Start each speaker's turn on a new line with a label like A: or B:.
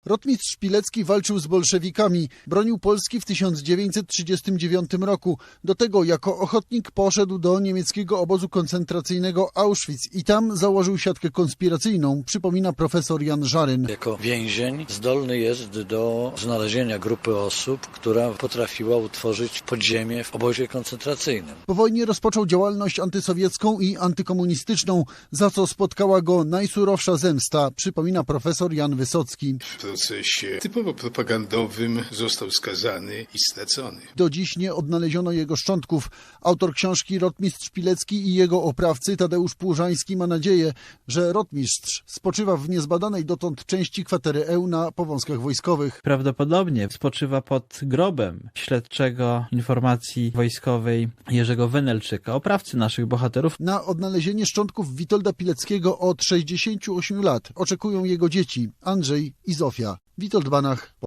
A: Rotmistrz Pilecki walczył z bolszewikami, bronił Polski w 1939 roku. Do tego jako ochotnik poszedł do niemieckiego obozu koncentracyjnego Auschwitz i tam założył siatkę konspiracyjną, przypomina profesor Jan Żaryn.
B: Jako więzień zdolny jest do znalezienia grupy osób, która potrafiła utworzyć podziemie w obozie koncentracyjnym.
A: Po wojnie rozpoczął działalność antysowiecką i antykomunistyczną, za co spotkała go najsurowsza zemsta, przypomina profesor Jan Wysocki.
C: W procesie typowo propagandowym został skazany i stracony.
A: Do dziś nie odnaleziono jego szczątków. Autor książki Rotmistrz Pilecki i jego oprawcy Tadeusz Płużański ma nadzieję, że rotmistrz spoczywa w niezbadanej dotąd części kwatery Eł na Powązkach Wojskowych.
D: Prawdopodobnie spoczywa pod grobem śledczego informacji wojskowej Jerzego Wenelczyka, oprawcy naszych bohaterów.
A: Na odnalezienie szczątków Witolda Pileckiego od 68 lat oczekują jego dzieci Andrzej i Zofia. Witold Banach.